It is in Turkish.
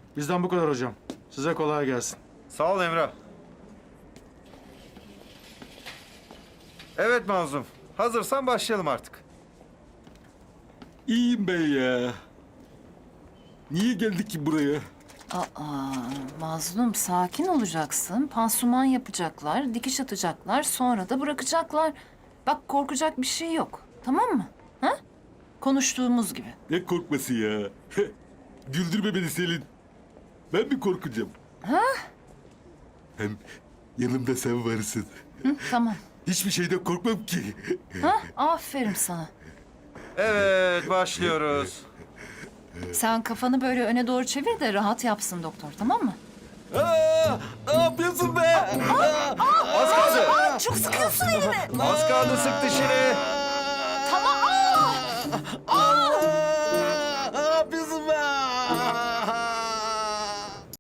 Bizden bu kadar hocam. Size kolay gelsin. Sağ ol Emrah. Evet Mazlum. Hazırsan başlayalım artık. İyiyim ben ya. Niye geldik ki buraya? Aa, Mazlum sakin olacaksın. Pansuman yapacaklar, dikiş atacaklar, sonra da bırakacaklar. Bak korkacak bir şey yok. Tamam mı? Ha? Konuştuğumuz gibi. Ne korkması ya? Güldürme beni Selin. Ben mi korkacağım? Ha? Hem yanımda sen varsın. Hı, tamam. Hiçbir şeyden korkmam ki. Ha? Aferin sana. Evet, başlıyoruz. Sen kafanı böyle öne doğru çevir de rahat yapsın doktor, tamam mı? Ne yapıyorsun be? Az kaldı. Çok sıkıyorsun elini. Az kaldı, sık dişini. Tamam.